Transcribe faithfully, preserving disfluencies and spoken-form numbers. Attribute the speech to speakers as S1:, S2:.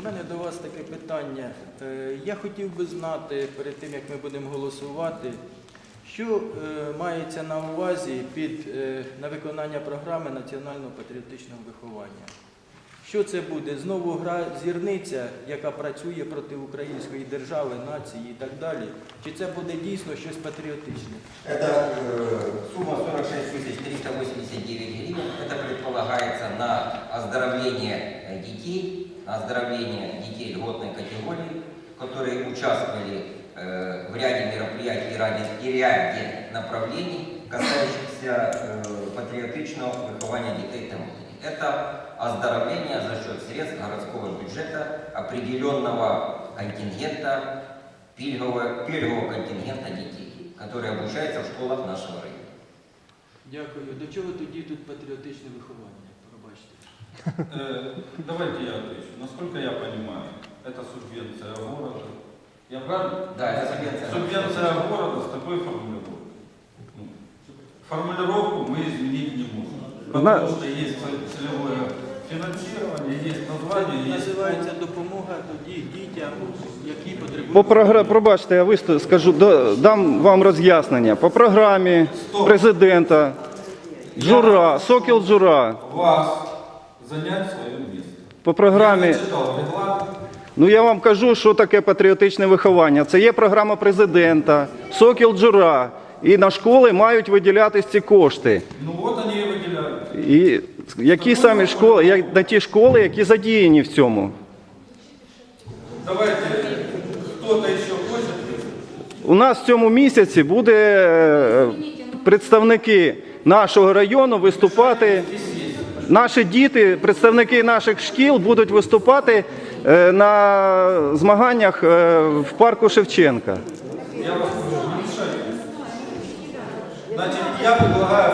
S1: У мене до вас таке питання. Я хотів би знати, перед тим, як ми будемо голосувати, що мається на увазі під, на виконання програми національного патріотичного виховання. Що це буде? Знову гра зірниця, яка працює проти української держави, нації і так далі? Чи це буде дійсно щось патріотичне?
S2: Это э, сумма сорок шесть тысяч триста восемьдесят девять гривен. Это предполагается на оздоровление детей, на оздоровление детей льготной категории, которые участвовали э, в ряде мероприятий и ряде, и ряде направлений, касающихся э, патриотичного выхования детей и молоді. Это оздоровление за счет средств городского бюджета определенного контингента, пільгового, пільгового контингента детей, которые обучаются в школах нашего района.
S1: Дякую. До чого тоді тут патріотичне виховання? Пробачте.
S3: Давайте я отвечу. Насколько я понимаю, это субвенция города. Я правильно?
S2: Да, это субвенция.
S3: Субвенция города с такой формулировкой. Формулировку мы изменить не можем. Потому что есть целевое финансирование, есть название, есть...
S1: Називається допомога тоді дітям, які потребують...
S4: По програмі, пробачте, я виступ, скажу, дам вам роз'яснення. По програмі президента Джура, Сокіл Джура.
S3: Вас занять свое место.
S4: По програмі...
S3: Я зачитав регламент.
S4: Ну я вам кажу, що таке патріотичне виховання. Це є програма президента, Сокіл Джура. І на школи мають виділятися ці кошти.
S3: Ну от вони і виділяють.
S4: І які самі школи, як на ті школи, які задіяні в цьому.
S3: Давайте, хто-то ще хоче.
S4: У нас в цьому місяці буде е, представники нашого району виступати. Наші діти, представники наших шкіл будуть виступати е, на змаганнях е, в парку Шевченка.
S3: Я вас прошу, не мешайте. Значит, я предлагаю